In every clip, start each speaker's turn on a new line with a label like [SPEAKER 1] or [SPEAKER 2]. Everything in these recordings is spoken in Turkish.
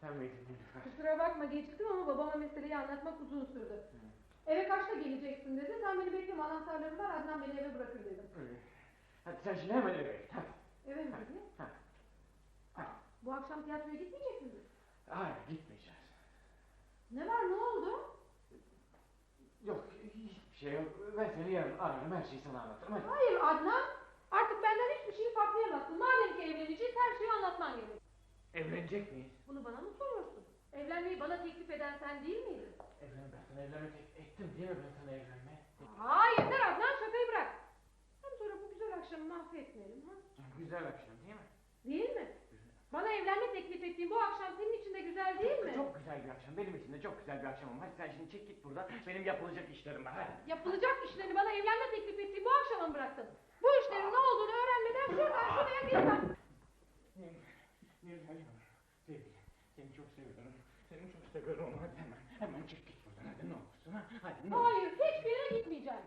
[SPEAKER 1] Sen miydin Nilüfer?
[SPEAKER 2] Kusura bakma geciktim ama babama meseleyi anlatmak uzun sürdü. Eve kaçta geleceksin dedi. Sen beni bekleme, anahtarlarım var, Adnan beni eve bırakır dedim.
[SPEAKER 1] Hadi sen şimdi hemen eve git.
[SPEAKER 2] Eve mi dedi? Bu akşam tiyatroya gitmeyecek misin?
[SPEAKER 1] Hayır, gitmeyeceğiz.
[SPEAKER 2] Ne var, ne oldu?
[SPEAKER 1] Yok, hiçbir şey yok. Ben seni yarın ararım, her şeyi sana anlatırım. Hadi.
[SPEAKER 2] Hayır Adnan, artık benden hiçbir şeyi saklayamazsın. Madem ki evleneceğiz, her şeyi anlatman gerek.
[SPEAKER 1] Evlenecek miyiz?
[SPEAKER 2] Bunu bana mı soruyorsun? Evlenmeyi bana teklif eden sen değil miydin?
[SPEAKER 1] Ben sana evlenmek ettim değil mi, ben sana evlenmeye?
[SPEAKER 2] Hayır Adnan, şakayı bırak. Hem sonra bu güzel akşamı mahvetmeyelim ha?
[SPEAKER 1] Güzel akşam değil mi?
[SPEAKER 2] Değil mi? Bana evlenme teklif ettiğin bu akşam senin için de güzel değil mi?
[SPEAKER 1] Çok güzel bir akşam, benim için de çok güzel bir akşam. Hadi sen şimdi çek git buradan, benim yapılacak işlerim var. Hadi.
[SPEAKER 2] Yapılacak işlerini bana evlenme teklif ettiğin bu akşama mı bıraktın? Bu işlerin ne olduğunu öğrenmeden şuradan şuraya gitmem.
[SPEAKER 1] Nilüfer, sevgilim, seni çok seviyorum. Seni çok seviyorum, hadi hemen çek git buradan, hadi ne olursun ha? Hadi ne olursun.
[SPEAKER 2] Hayır, hiçbir yere gitmeyeceğim.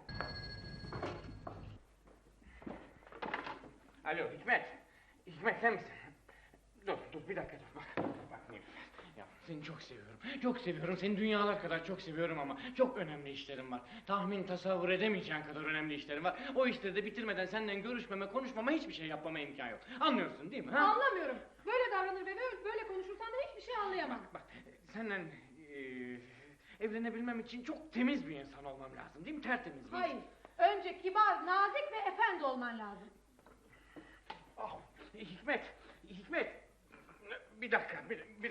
[SPEAKER 1] Alo Hikmet, Hikmet sen misin? Dur bir dakika dur bak Nilüfer. Ya seni çok seviyorum, çok seviyorum, seni dünyalar kadar çok seviyorum ama çok önemli işlerim var. Tahmin tasavvur edemeyeceğin kadar önemli işlerim var. O işleri de bitirmeden senden görüşmeme, konuşmama, hiçbir şey yapmama imkan yok. Anlıyorsun değil mi? Ha?
[SPEAKER 2] Anlamıyorum. Böyle davranır ve böyle konuşursan da hiçbir şey anlayamam.
[SPEAKER 1] Bak senden evlenebilmem için çok temiz bir insan olmam lazım değil mi? Tertemiz bir
[SPEAKER 2] Hayır,
[SPEAKER 1] insan.
[SPEAKER 2] önce kibar, nazik ve efendi olman lazım.
[SPEAKER 1] Ah, Hikmet, bir dakika.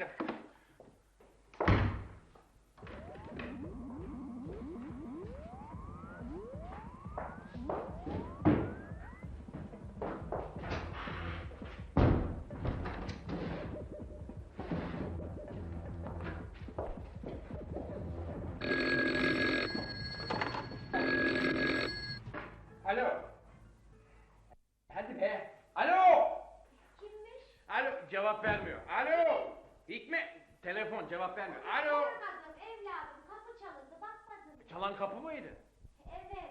[SPEAKER 1] Alo. Hadi be. Alo.
[SPEAKER 3] Kimmiş?
[SPEAKER 1] Alo, cevap vermiyor. Alo. Hikmet, telefon cevap vermiyor. Alo.
[SPEAKER 3] Bakmadım evladım, kapı çalındı, bakmadın.
[SPEAKER 1] Çalan kapı mıydı?
[SPEAKER 3] Evet.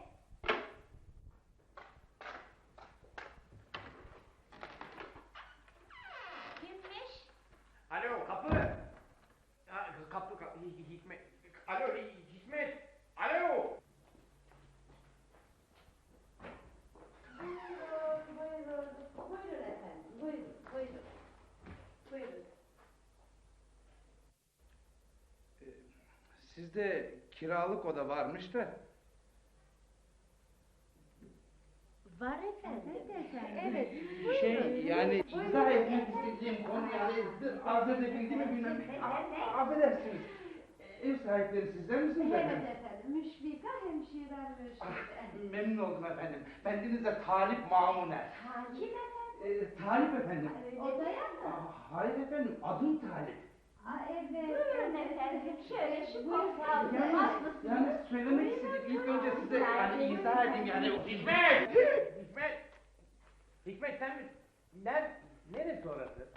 [SPEAKER 3] Kimmiş?
[SPEAKER 1] Alo, kapı. Ha, kapı. Hikmet. Alo, Hikmet. Alo.
[SPEAKER 3] Buyurun efendim, buyurun.
[SPEAKER 4] Sizde kiralık oda varmış da.
[SPEAKER 3] Var efendim. Evet,
[SPEAKER 4] Yani izah etmek istediğim konu yani arz edebildim mi bilmem. Affedersiniz. Ev sahipleri sizler misiniz efendim?
[SPEAKER 3] Evet efendim, Müşfika hemşirem Müşfika.
[SPEAKER 4] Memnun oldum efendim. Bendeniz de Talip Mamuner.
[SPEAKER 3] Kim efendim?
[SPEAKER 4] Talip efendim.
[SPEAKER 3] Odaya mı?
[SPEAKER 4] Hayır efendim, adım Talip.
[SPEAKER 3] Evet. Buyurun efendim, şöyle şu
[SPEAKER 4] Yani söylemek istedim ilk önce size yani izah edeyim yani.
[SPEAKER 1] Hikmet sen mi? Neresi orası?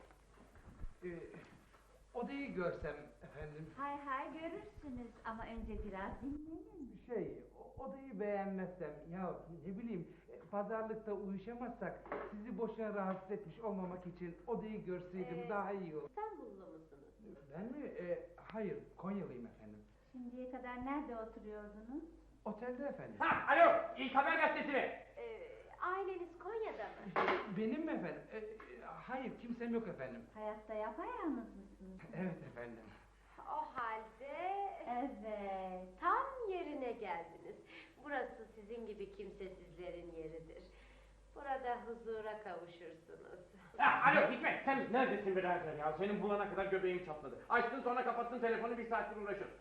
[SPEAKER 4] Odayı görsem efendim.
[SPEAKER 3] Hay görürsünüz ama önce biraz dinlenin.
[SPEAKER 4] Odayı beğenmezsem ya ne bileyim pazarlıkta uyuşamazsak sizi boşuna rahatsız etmiş olmamak için odayı görseydim daha iyi olur.
[SPEAKER 3] İstanbullu musunuz?
[SPEAKER 4] Ben mi? Hayır, Konyalıyım efendim.
[SPEAKER 3] Şimdiye kadar nerede oturuyordunuz?
[SPEAKER 4] Otelde efendim.
[SPEAKER 1] Ha, alo, İlk Haber Gazetesi mi?
[SPEAKER 3] Aileniz Konya'da mı?
[SPEAKER 4] Benim mi efendim? Hayır, kimsem yok efendim.
[SPEAKER 3] Hayatta yapayalnız mısınız?
[SPEAKER 4] Evet efendim.
[SPEAKER 5] O halde
[SPEAKER 3] Evet.
[SPEAKER 5] tam yerine geldiniz. Burası sizin gibi kimsesizlerin yeridir. Burada huzura kavuşursunuz.
[SPEAKER 1] Ha, alo Hikmet, sen neredesin birader ya? Senin bulana kadar göbeğim çatladı. Açtın sonra kapattın telefonu, bir saattir uğraşıyorsun.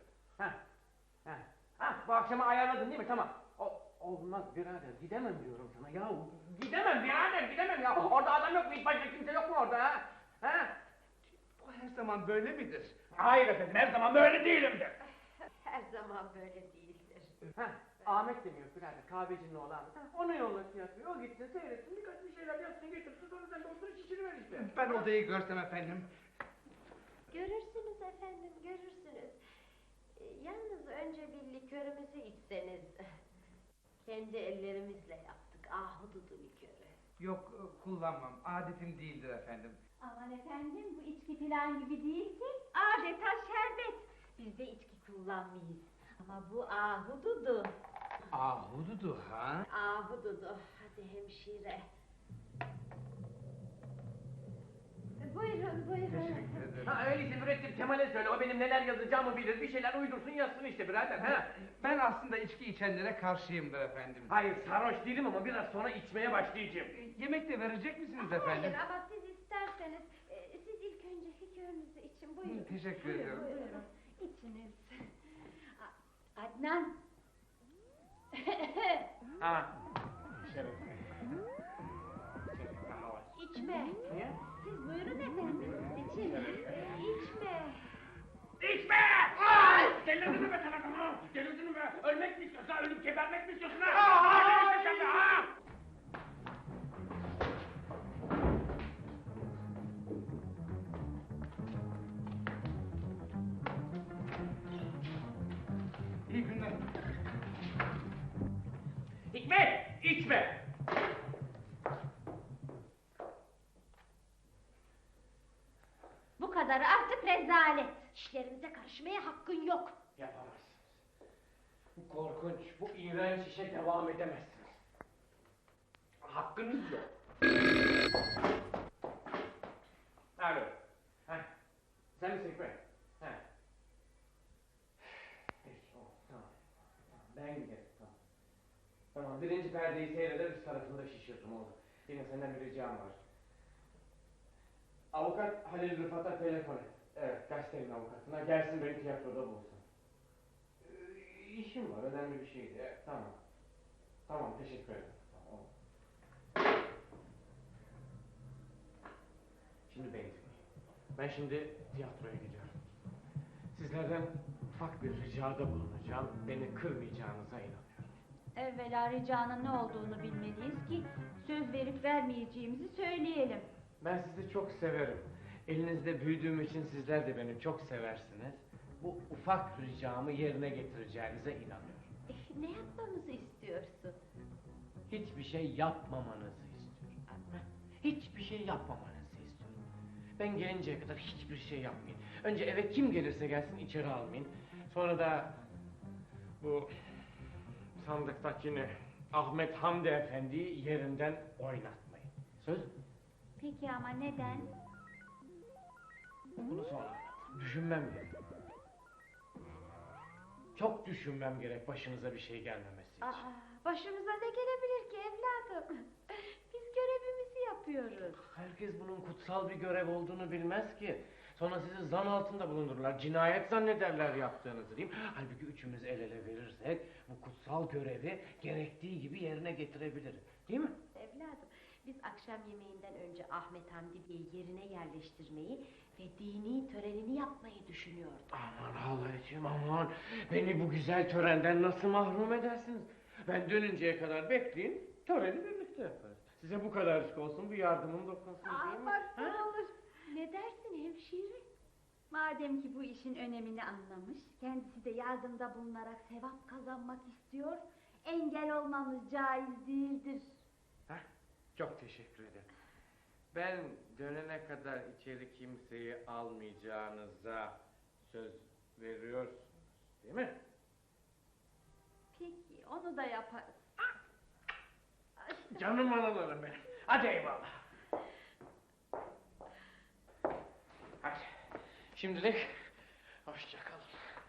[SPEAKER 1] Bu akşama ayarladın değil mi? Tamam. Olmaz birader, gidemem diyorum sana ya. Gidemem birader, gidemem ya. Orada adam yok mu? Hiç başka kimse yok mu orada ha?
[SPEAKER 4] Bu her zaman böyle midir?
[SPEAKER 1] Hayır efendim, her zaman böyle değilimdir.
[SPEAKER 5] Her zaman böyle değildir.
[SPEAKER 1] Ahmet demiyor birader, kahvecinin oğlu Ahmet. Onu yolla tiyatroya, o gitsin seyretsin, birkaç bir şeyler yapsın getirsin, sonra sen de otur içini ver işte.
[SPEAKER 4] Ben odayı görsem efendim.
[SPEAKER 5] Görürsünüz efendim, görürsünüz. Yalnız önce bir likörümüzü içseniz. Kendi ellerimizle yaptık ahududu likörü.
[SPEAKER 4] Yok kullanmam. Adetim değildir efendim.
[SPEAKER 3] Aman efendim bu içki filan gibi değil ki. Adeta şerbet. Biz de içki kullanmayız. Ama bu ahududu.
[SPEAKER 4] Ahududu ha?
[SPEAKER 5] Ahududu. Hadi hemşire. Buyurun, buyurun.
[SPEAKER 4] Teşekkür ederim.
[SPEAKER 1] Ha öyleyse mürettip Kemal'e söyle, o benim neler yazacağımı bilir, bir şeyler uydursun yazsın işte birader ha.
[SPEAKER 4] Ben aslında içki içenlere karşıyımdır efendim.
[SPEAKER 1] Hayır sarhoş değilim ama biraz sonra içmeye başlayacağım.
[SPEAKER 4] Yemek de verecek misiniz efendim?
[SPEAKER 5] Hayır ama siz isterseniz siz ilk önce likörünüzü için buyurun.
[SPEAKER 4] Teşekkür ederim.
[SPEAKER 3] Buyurun. İçiniz. Adnan.
[SPEAKER 1] Ha. Şeref.
[SPEAKER 5] İçme.
[SPEAKER 1] Niye?
[SPEAKER 5] Siz buyurun efendim. İçin. İçme.
[SPEAKER 1] İçme! Ay! Delirdin mi be sen adamı? Delirdin mi be? Ölmek mi istiyorsun ha? Ölüp gebermek mi istiyorsun ha? Ha! Sen de ha!
[SPEAKER 4] İyi günler.
[SPEAKER 1] Hikmet! İçme!
[SPEAKER 3] Bu kadarı artık rezalet.
[SPEAKER 5] İşlerimize karışmaya hakkın yok.
[SPEAKER 1] Yapamazsınız. Bu korkunç, bu iğrenç işe devam edemezsiniz. Hakkınız yok. Alo. Heh. Sen misin Hikmet? Heh. Peki, tamam. Ben giderim, tamam. Tamam, birinci perdeyi seyreder, üst tarafında şişirdim oldu. Yine senden bir ricam var. Avukat Halil Rıfat'a telefon et. Evet, gazetenin avukatına gelsin beni tiyatroda bulsun. İşim var, önemli bir şeydi. Evet, tamam. Tamam, teşekkür ederim. Tamam. Şimdi beni dinleyin. Ben şimdi tiyatroya gidiyorum. Sizlerden ufak bir ricada bulunacağım. Beni kırmayacağınıza inanıyorum.
[SPEAKER 3] Evvela ricanın ne olduğunu bilmeliyiz ki söz verip vermeyeceğimizi söyleyelim.
[SPEAKER 1] Ben sizi çok severim. Elinizde büyüdüğüm için sizler de beni çok seversiniz. Bu ufak ricamı yerine getireceğinize inanıyorum.
[SPEAKER 3] Ne yapmamızı istiyorsun?
[SPEAKER 1] Hiçbir şey yapmamanızı istiyorum. Hiçbir şey yapmamanızı istiyorum. Ben gelinceye kadar hiçbir şey yapmayın. Önce eve kim gelirse gelsin içeri almayın. Sonra da bu sandıktakini Ahmet Hamdi Efendi'yi yerinden oynatmayın. Söz mü?
[SPEAKER 3] Peki ama neden?
[SPEAKER 1] Bunu sonra anlatırım. Düşünmem gerek. Çok düşünmem gerek başınıza bir şey gelmemesi için.
[SPEAKER 3] Başımıza ne gelebilir ki evladım? Biz görevimizi yapıyoruz.
[SPEAKER 1] Herkes bunun kutsal bir görev olduğunu bilmez ki. Sonra sizi zan altında bulundururlar. Cinayet zannederler yaptığınızı değil mi? Halbuki üçümüz el ele verirsek bu kutsal görevi gerektiği gibi yerine getirebiliriz. Değil mi?
[SPEAKER 5] Evladım, biz akşam yemeğinden önce Ahmet Hamdi Bey'i yerine yerleştirmeyi ve dini törenini yapmayı düşünüyorduk.
[SPEAKER 1] Aman Allah'ım aman. Beni bu güzel törenden nasıl mahrum edersiniz? Ben dönünceye kadar bekleyin. Töreni birlikte yaparız. Size bu kadarcık olsun, bu yardımım dokunsun değil mi?
[SPEAKER 3] Bak ne
[SPEAKER 1] Ha?
[SPEAKER 3] olur. Ne dersin hemşire? Madem ki bu işin önemini anlamış, kendisi de yardımda bulunarak sevap kazanmak istiyor, engel olmamız caiz değildir.
[SPEAKER 1] Heh, çok teşekkür ederim. Ben dönene kadar içeri kimseyi almayacağınıza söz veriyorsunuz, değil mi?
[SPEAKER 3] Peki, onu da yaparız.
[SPEAKER 1] Canım analarım benim. Hadi eyvallah. Hadi. Şimdilik hoşça kalın.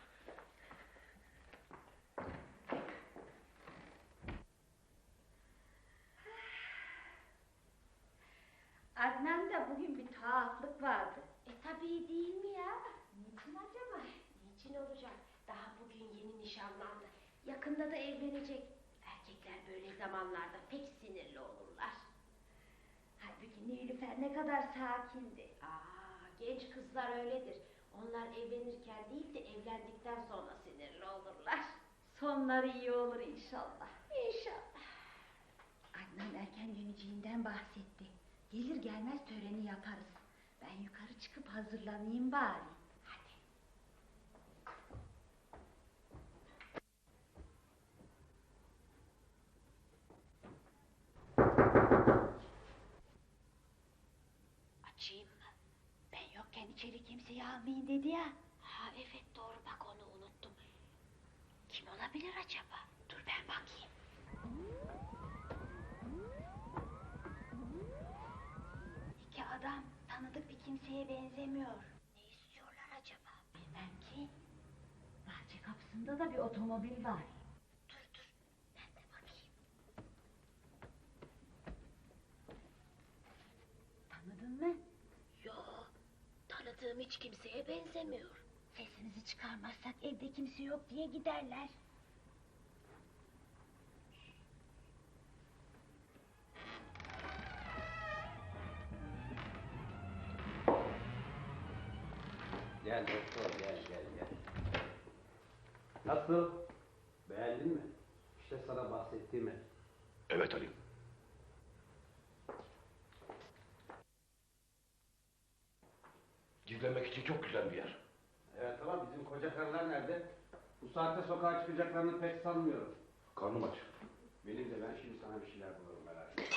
[SPEAKER 3] Adnan'da bugün bir tuhaflık vardı.
[SPEAKER 5] Tabii değil mi ya? Niçin acaba? Niçin olacak? Daha bugün yeni nişanlandı. Yakında da evlenecek. Erkekler böyle zamanlarda pek sinirli olurlar.
[SPEAKER 3] Halbuki Nilüfer ne kadar sakindi.
[SPEAKER 5] Genç kızlar öyledir. Onlar evlenirken değil de evlendikten sonra sinirli olurlar.
[SPEAKER 3] Sonları iyi olur inşallah.
[SPEAKER 5] İnşallah.
[SPEAKER 3] Adnan erken döneceğinden bahsetti. Gelir gelmez töreni yaparız. Ben yukarı çıkıp hazırlanayım bari.
[SPEAKER 5] Hadi. açayım mı?
[SPEAKER 3] Ben yokken içeri kimseyi almayın dedi ya.
[SPEAKER 5] Ha evet doğru bak onu unuttum. Kim olabilir acaba? Dur ben bakayım.
[SPEAKER 3] İki adam tanıdık bir kimseye benzemiyor.
[SPEAKER 5] Ne istiyorlar acaba?
[SPEAKER 3] Bilmem ki. Bahçe kapısında da bir otomobil var.
[SPEAKER 5] Dur ben de bakayım.
[SPEAKER 3] Tanıdın mı?
[SPEAKER 5] Yo tanıdığım hiç kimseye benzemiyor.
[SPEAKER 3] Sesimizi çıkarmazsak evde kimse yok diye giderler.
[SPEAKER 6] Gel doktor gel. Nasıl? Beğendin mi? İşte sana bahsettiğim ev.
[SPEAKER 7] Evet Halim. Gizlenmek için çok güzel bir yer.
[SPEAKER 6] Evet ama bizim koca karılar nerede? Bu saatte sokağa çıkacaklarını pek sanmıyorum.
[SPEAKER 7] Karnım aç.
[SPEAKER 6] Benim de ben şimdi sana bir şeyler bulurum merak etme.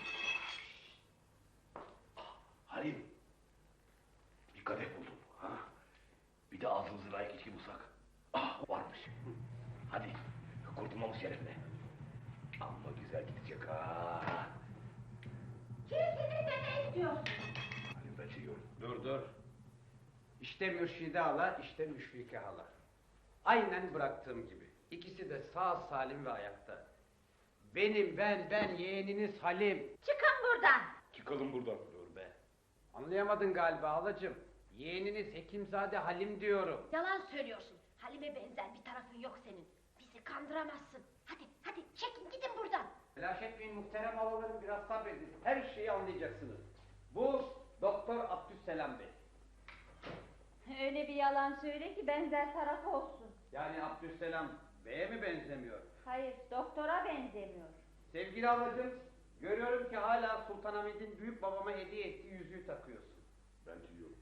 [SPEAKER 7] Halim. Bir kadeh buldum. Ha? Bir de ağzımızı layık içki bulsak. Ah varmış. Hadi kurtulmamız şerefine. Amma güzel gidecek ha.
[SPEAKER 3] Kimsiniz de ne istiyorsun?
[SPEAKER 7] Halim ben seviyorum.
[SPEAKER 6] Dur. İşte Mürşide hala, işte Müşfike hala. Aynen bıraktığım gibi. İkisi de sağ salim ve ayakta. Benim, ben yeğeniniz Halim.
[SPEAKER 3] Çıkın buradan.
[SPEAKER 7] Çıkalım buradan.
[SPEAKER 6] Dur be. Anlayamadın galiba halacığım. Yeğeniniz Hekimzade Halim diyorum.
[SPEAKER 5] Yalan söylüyorsun. Halime benzer bir tarafın yok senin. Bizi kandıramazsın. Hadi çekin gidin buradan.
[SPEAKER 6] Telaş etmeyin muhterem halalarım, biraz sabredin. Her şeyi anlayacaksınız. Bu Doktor Abdüsselam Bey.
[SPEAKER 3] Öyle bir yalan söyle ki benzer taraf olsun.
[SPEAKER 6] Yani Abdüsselam Bey'e mi benzemiyor?
[SPEAKER 3] Hayır, doktora benzemiyor.
[SPEAKER 6] Sevgili halacığım, görüyorum ki hala Sultanahmet'in büyük babama hediye ettiği yüzüğü takıyorsun.
[SPEAKER 7] Ben biliyorum.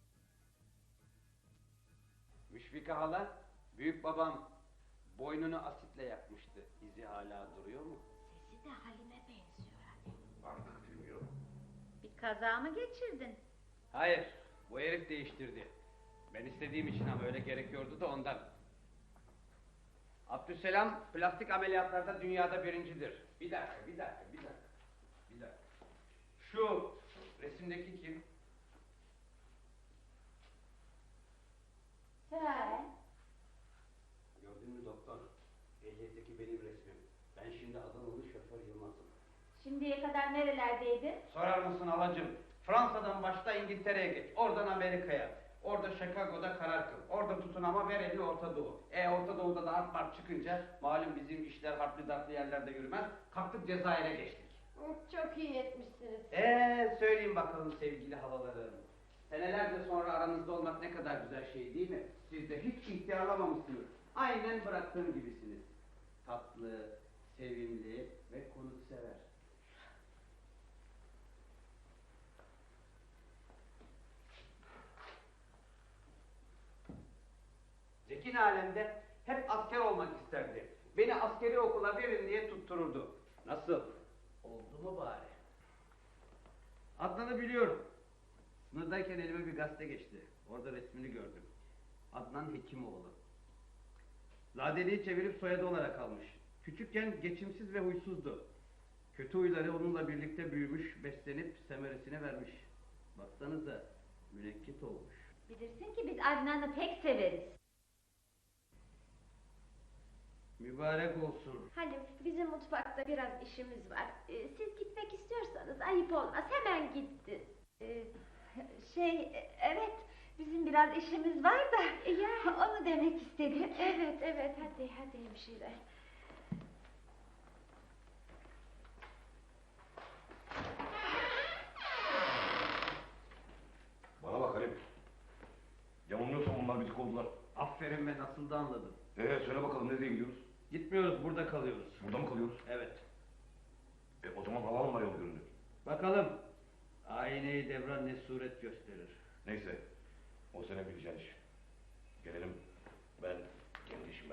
[SPEAKER 6] Müşfike hala, büyük babam boynunu asitle yakmıştı. İzi hala duruyor mu?
[SPEAKER 5] Sesi de Halime benziyor hani.
[SPEAKER 7] Artık bilmiyorum.
[SPEAKER 3] Bir kaza mı geçirdin?
[SPEAKER 6] Hayır, bu herif değiştirdi. Ben istediğim için ama öyle gerekiyordu da ondan. Abdüsselam plastik ameliyatlarda dünyada birincidir. Bir dakika. Şu resimdeki kim?
[SPEAKER 3] He.
[SPEAKER 6] Gördün mü doktor? Ehliyetteki benim resmim. Ben şimdi Adanalı şoför Yılmaz'ım.
[SPEAKER 3] Şimdiye kadar nerelerdeydin?
[SPEAKER 6] Sorar mısın halacığım? Fransa'dan başla İngiltere'ye geç. Oradan Amerika'ya. Orada Chicago'da karar kıl. Orada tutun ama ver elini Orta Doğu. Orta Doğu'da da harp marp çıkınca malum bizim işler harpli darplı yerlerde yürümez. Kalktık Cezayir'e geçtik.
[SPEAKER 2] Çok iyi etmişsiniz.
[SPEAKER 6] Söyleyin bakalım sevgili halalarım. Senelerce sonra aranızda olmak ne kadar güzel şey değil mi? Siz de hiç ihtiyarlamamışsınız. Aynen bıraktığım gibisiniz. Tatlı, sevimli ve konuksever. Zekin alemde hep asker olmak isterdi. Beni askeri okula verin diye tuttururdu. Nasıl? Oldu mu bari? Adnan'ı biliyorum. Sınırdayken elime bir gazete geçti. Orada resmini gördüm. Adnan Hekimoğlu. Zadeliği çevirip soyadı olarak almış. Küçükken geçimsiz ve huysuzdu. Kötü huyları onunla birlikte büyümüş, beslenip semeresine vermiş. Baksanıza münekkit olmuş.
[SPEAKER 3] Bilirsin ki biz Adnan'ı pek severiz.
[SPEAKER 6] Mübarek olsun.
[SPEAKER 5] Halim bizim mutfakta biraz işimiz var. Siz gitmek istiyorsanız ayıp olmaz hemen gitti.
[SPEAKER 3] Evet, bizim biraz işimiz var da onu demek istedim.
[SPEAKER 5] Evet hadi hemşire.
[SPEAKER 7] Bana bak Halim. Yanılmıyorsam onlar bitik oldular.
[SPEAKER 6] Aferin be, nasıl da anladın.
[SPEAKER 7] Söyle bakalım nereye gidiyoruz?
[SPEAKER 6] Gitmiyoruz, burada kalıyoruz.
[SPEAKER 7] Burada mı kalıyoruz?
[SPEAKER 6] Evet.
[SPEAKER 7] O zaman havalı var yol görünüyor.
[SPEAKER 6] Bakalım. Ayneyi devran ne suret gösterir.
[SPEAKER 7] Neyse. O sene bileceğin iş. Gelelim ben kendi işime.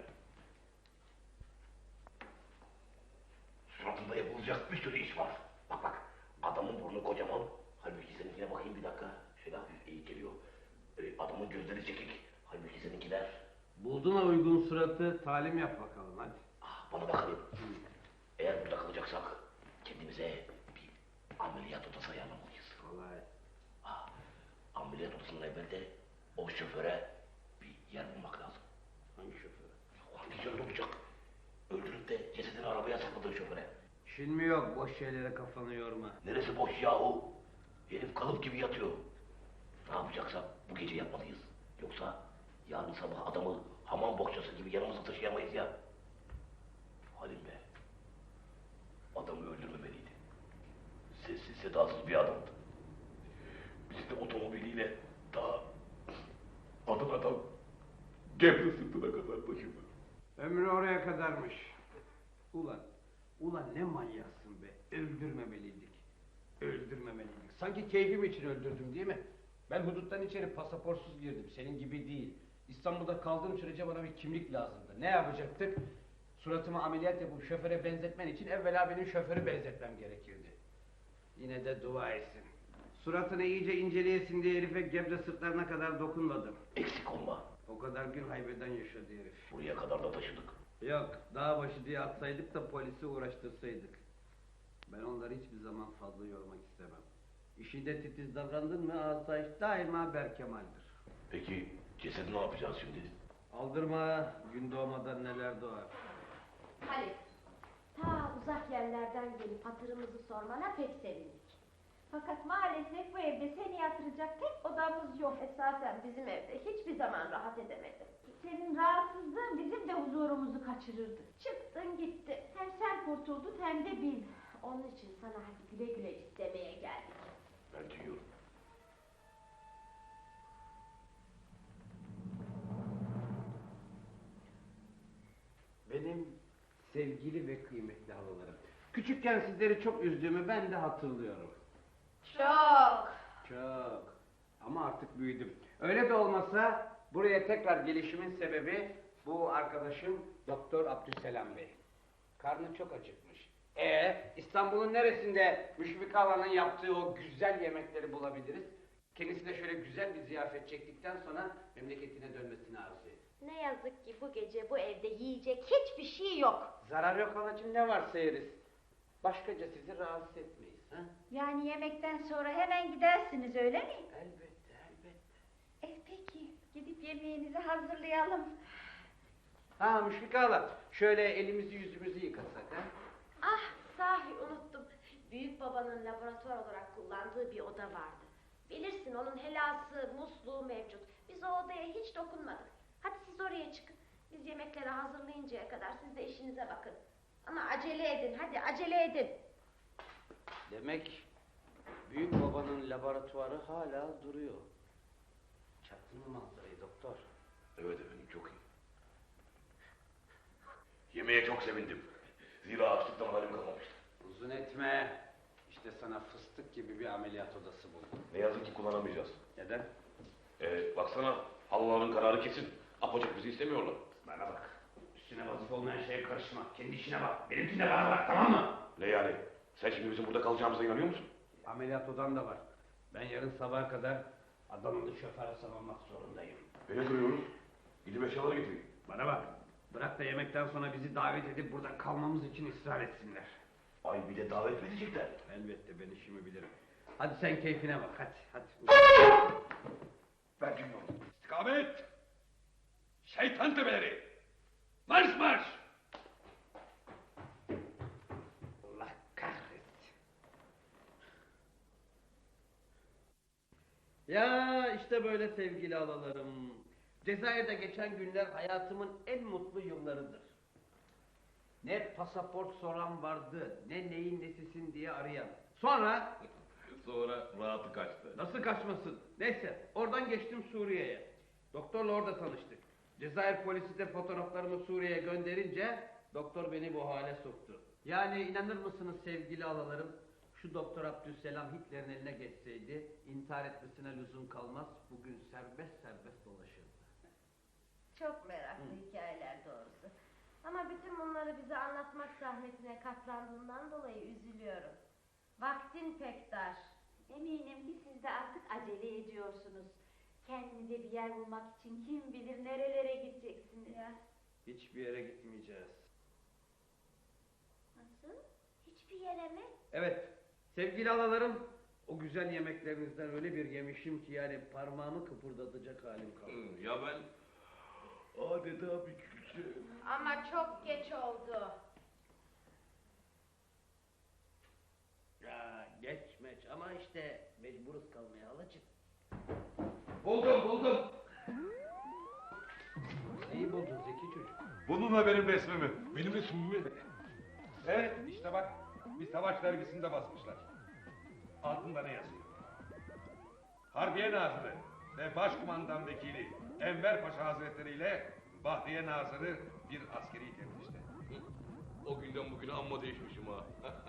[SPEAKER 7] Suratında yapılacak bir sürü iş var. Bak. Adamın burnu kocaman. Halbuki seninkine bakayım bir dakika. Şöyle hafif eğik geliyor. Adamın gözleri çekik. Halbuki seninkiler.
[SPEAKER 6] Buldun mu uygun suratı, talim yap bakalım hadi.
[SPEAKER 7] Bana bakalım. Eğer burada kalacaksak kendimize bir ameliyat odası ayarlamalıyız.
[SPEAKER 6] Kolay.
[SPEAKER 7] Ameliyat odasının evvelde o şoföre bir yer bulmak lazım.
[SPEAKER 6] Hangi şoför?
[SPEAKER 7] Hangi yerde olacak? Öldürüp de cesedini arabaya sakladığı şoföre.
[SPEAKER 6] İşin mi yok? Boş şeylere kafanı yorma.
[SPEAKER 7] Neresi boş yahu? Herif kalıp gibi yatıyor. Ne yapacaksak bu gece yapmalıyız. Yoksa yarın sabah adamı hamam bohçası gibi yanımıza taşıyamayız ya. Halim be. Adamı öldürmemeliydi. Sessiz sedasız bir adamdı. Bizi de otomobiliyle daha adam Gebze sırtına kadar taşıdı.
[SPEAKER 6] Ömrü oraya kadarmış. Ulan ne manyaksın be. Öldürmemeliydik. Öldürmemeliydik. Sanki keyfim için öldürdüm değil mi? Ben huduttan içeri pasaportsuz girdim. Senin gibi değil. İstanbul'da kaldığım sürece bana bir kimlik lazımdı. Ne yapacaktık? Suratımı ameliyat yapıp şoföre benzetmen için evvela benim şoförü benzetmem gerekirdi. Yine de dua etsin. Suratını iyice inceleyesin diye herife Gebze sırtlarına kadar dokunmadım.
[SPEAKER 7] Eksik olma.
[SPEAKER 6] O kadar gün haybeden yaşadı herif.
[SPEAKER 7] Buraya kadar da taşıdık.
[SPEAKER 6] Yok, dağ başı diye atsaydık da polisi uğraştırsaydık. Ben onları hiçbir zaman fazla yormak istemem. İşinde titiz davrandın mı asayiş daima berkemaldir.
[SPEAKER 7] Peki cesedi ne yapacağız şimdi?
[SPEAKER 6] Aldırma, gün doğmadan neler doğar.
[SPEAKER 5] Halit, ta uzak yerlerden gelip hatırımızı sormana pek sevindik.
[SPEAKER 3] Fakat maalesef bu evde seni yatıracak tek odamız yok.
[SPEAKER 5] Esasen bizim evde hiçbir zaman rahat edemedim.
[SPEAKER 3] Senin rahatsızlığın bizim de huzurumuzu kaçırırdı.
[SPEAKER 5] Çıktın gitti.
[SPEAKER 3] Hem sen kurtuldun hem de biz.
[SPEAKER 5] Onun için sana hadi güle güle istemeye geldik.
[SPEAKER 7] Ben duyuyorum.
[SPEAKER 6] Benim sevgili ve kıymetli halalarım. Küçükken sizleri çok üzdüğümü ben de hatırlıyorum.
[SPEAKER 5] Çok.
[SPEAKER 6] Çok. Ama artık büyüdüm. Öyle de olmasa buraya tekrar gelişimin sebebi bu arkadaşım Doktor Abdüselam Bey. Karnı çok acıkmış. İstanbul'un neresinde Müşfik Hala'nın yaptığı o güzel yemekleri bulabiliriz? Kendisine şöyle güzel bir ziyafet çektikten sonra memleketine dönmesini arzu ediyor.
[SPEAKER 5] Ne yazık ki bu gece bu evde yiyecek hiçbir şey yok.
[SPEAKER 6] Zarar yok halacığım, ne varsa yeriz. Başkaca sizi rahatsız etmeyiz. Ha?
[SPEAKER 3] Yani yemekten sonra hemen gidersiniz öyle mi?
[SPEAKER 6] Elbette, elbette.
[SPEAKER 3] Peki gidip yemeğinizi hazırlayalım.
[SPEAKER 6] Ha Müşfik Hala, şöyle elimizi yüzümüzü yıkasak ha?
[SPEAKER 5] Ah sahi unuttum. Büyük babanın laboratuvar olarak kullandığı bir oda vardı. Bilirsin onun helası, musluğu mevcut. Biz o odaya hiç dokunmadık. Hadi siz oraya çıkın. Biz yemekleri hazırlayıncaya kadar siz de işinize bakın. Ama acele edin, hadi acele edin.
[SPEAKER 6] Demek büyük babanın laboratuvarı hala duruyor. Çaktın mı manzarayı doktor?
[SPEAKER 7] Evet efendim, çok iyi. Yemeğe çok sevindim. Zira açlıktan halim kalmamıştı.
[SPEAKER 6] Uzun etme. İşte sana fıstık gibi bir ameliyat odası buldum.
[SPEAKER 7] Ne yazık ki kullanamayacağız.
[SPEAKER 6] Neden?
[SPEAKER 7] Baksana, halıların kararı kesin. Apacık bizi istemiyorlar.
[SPEAKER 6] Bana bak. Üstüne vazife olmayan şeye karışma. Kendi işine bak. Benimkine bana bak, tamam mı?
[SPEAKER 7] Ne yani? Sen şimdi bizim burada kalacağımıza inanıyor musun?
[SPEAKER 6] Ameliyat odam da var. Ben yarın sabaha kadar adamını şoföre savunmak zorundayım.
[SPEAKER 7] Beni duruyoruz. Gidip eşyaları getireyim.
[SPEAKER 6] Bana bak. Bırak da yemekten sonra bizi davet edip burada kalmamız için ısrar etsinler.
[SPEAKER 7] Ay bir de davet mi edecekler?
[SPEAKER 6] Elbette ben işimi bilirim. Hadi sen keyfine bak, hadi.
[SPEAKER 7] Ben bilmiyorum.
[SPEAKER 8] İstikamet! Şeytan tepeleri! Marş marş!
[SPEAKER 6] Allah kahretsin. Ya işte böyle sevgili alalarım. Cezayir'de geçen günler hayatımın en mutlu yıllarıdır. Ne pasaport soran vardı, ne neyin nesisin diye arayan. Sonra
[SPEAKER 7] Sonra rahatı kaçtı.
[SPEAKER 6] nasıl kaçmasın? Neyse, oradan geçtim Suriye'ye. Doktorla orada tanıştık. Cezayir polisi de fotoğraflarımı Suriye'ye gönderince doktor beni bu hale soktu. Yani inanır mısınız sevgili alalarım? Şu Doktor Abdüselam Hitler'in eline geçseydi intihar etmesine lüzum kalmaz. Bugün serbest serbest dolaşırdı.
[SPEAKER 5] Çok meraklı hikayeler doğrusu. Ama bütün bunları bize anlatmak zahmetine katlandığından dolayı üzülüyorum. Vaktin pek dar.
[SPEAKER 3] Eminim ki siz de artık acele ediyorsunuz. Kendinize bir yer bulmak için kim bilir nerelere gideceksiniz. Ya.
[SPEAKER 6] Hiçbir yere gitmeyeceğiz.
[SPEAKER 5] Nasıl? Hiçbir yere mi?
[SPEAKER 6] Evet, sevgili alalarım, o güzel yemeklerinizden öyle bir yemişim ki yani parmağımı kıpırdatacak halim kalmadı.
[SPEAKER 7] Ya ben adeta bir külçe.
[SPEAKER 5] Ama çok geç oldu.
[SPEAKER 6] Ya geçmeç ama işte mecburuz kalmaya halacığım.
[SPEAKER 8] Buldum.
[SPEAKER 6] Neyi buldun zeki çocuk?
[SPEAKER 8] Bununla benim resmimi. Benim resmimi mi? Evet, işte bak. Bir savaş dergisinde basmışlar. Altında ne yazıyor? Harbiye Nazırı ve Başkumandan Vekili Enver Paşa Hazretleri ile Bahriye Nazırı bir askeri teftişte.
[SPEAKER 7] O günden bugüne amma değişmişim ha.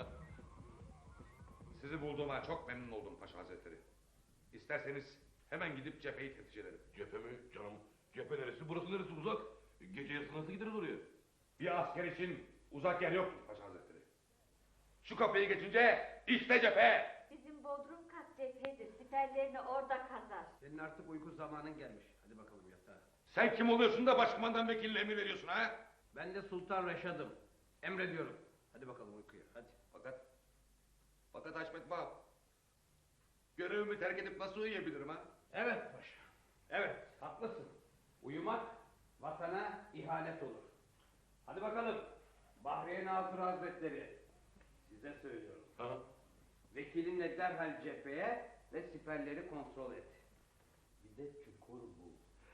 [SPEAKER 8] Sizi bulduğuma çok memnun oldum Paşa Hazretleri. İsterseniz hemen gidip cepheyi teftiş edelim.
[SPEAKER 7] Cephe mi canım? Cephe neresi? Burası neresi uzak? Gece yarısı nasıl gideriz oraya?
[SPEAKER 8] Bir asker için uzak yer yoktur Paşa Hazretleri. Şu kapıyı geçince işte cephe.
[SPEAKER 3] Bizim bodrum kat cephedir. Siperlerini orada kazar.
[SPEAKER 6] Senin artık uyku zamanın gelmiş. Hadi bakalım yatağa.
[SPEAKER 8] Sen kim oluyorsun da başkumandan vekiline emir veriyorsun ha?
[SPEAKER 6] Ben de Sultan Reşad'ım. Emrediyorum. Hadi bakalım uykuya hadi.
[SPEAKER 8] Fakat Haşmet Bab, görevimi terk edip nasıl uyuyabilirim ha?
[SPEAKER 6] Evet paşa. Evet haklısın. Uyumak vatana ihanet olur. Hadi bakalım. Bahriye Nazır Hazretleri. Size söylüyorum.
[SPEAKER 7] Ha?
[SPEAKER 6] Vekilinle derhal cepheye ve siperleri kontrol et. Bir de çukur bul.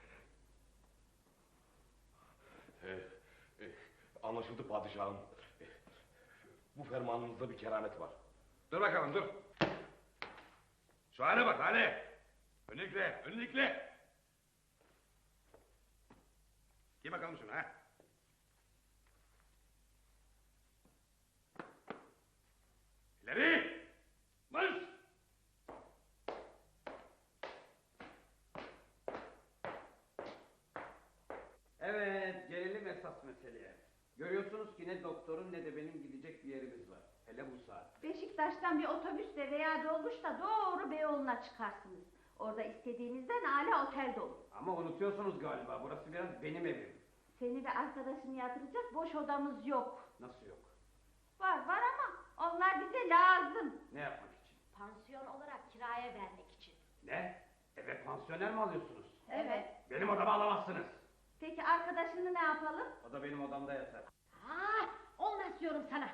[SPEAKER 7] Anlaşıldı padişahım. Bu fermanınızda bir keramet var.
[SPEAKER 8] Dur bakalım dur. Şu hale bak hale. Önlükle. Giy bakalım şunu ha. İleri. Marş.
[SPEAKER 6] Evet gelelim esas meseleye. Görüyorsunuz ki ne doktorun ne de benim gidecek bir yerimiz var. Hele bu saat.
[SPEAKER 3] Beşiktaş'tan bir otobüsle veya dolmuşla doğru Beyoğlu'na çıkarsınız. Orada istediğinizden âlâ otel dolu.
[SPEAKER 6] Ama unutuyorsunuz galiba burası biraz benim evim.
[SPEAKER 3] Seni ve arkadaşını yatıracak boş odamız yok.
[SPEAKER 6] Nasıl yok?
[SPEAKER 3] Var ama onlar bize lazım.
[SPEAKER 6] Ne yapmak için?
[SPEAKER 5] Pansiyon olarak kiraya vermek için.
[SPEAKER 6] Ne? Eve pansiyoner mi alıyorsunuz?
[SPEAKER 3] Evet.
[SPEAKER 6] Benim odama alamazsınız.
[SPEAKER 3] Peki arkadaşını ne yapalım?
[SPEAKER 6] O da benim odamda yatar.
[SPEAKER 5] Olmaz diyorum sana.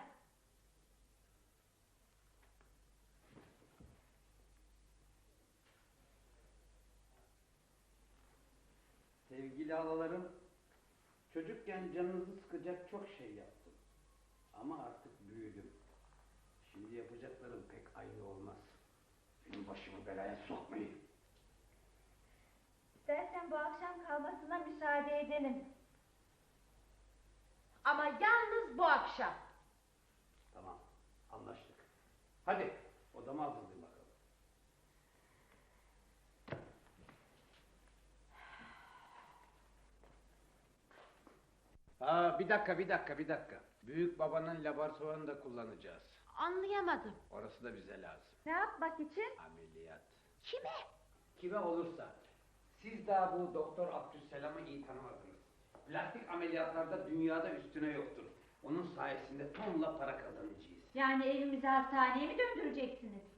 [SPEAKER 6] Sevgili alalarım, çocukken canınızı sıkacak çok şey yaptım. Ama artık büyüdüm. Şimdi yapacaklarım pek aynı olmaz. Benim başımı belaya sokmayın.
[SPEAKER 3] İstersen bu akşam kalmasına müsaade edelim.
[SPEAKER 5] Ama yalnız bu akşam.
[SPEAKER 6] Tamam, anlaştık. Hadi, odama hazırlayın bakalım. Bir dakika. Büyük babanın laboratuvarını da kullanacağız.
[SPEAKER 5] Anlayamadım.
[SPEAKER 6] Orası da bize lazım.
[SPEAKER 3] Ne yapmak için?
[SPEAKER 6] Ameliyat.
[SPEAKER 5] Kime?
[SPEAKER 6] Kime olursa. Siz daha bu Doktor Abdüsselam'ı iyi tanımadınız. Plastik ameliyatlarda dünyada üstüne yoktur. Onun sayesinde tonla para kazanacağız.
[SPEAKER 3] Yani evimizi hastaneye mi döndüreceksiniz?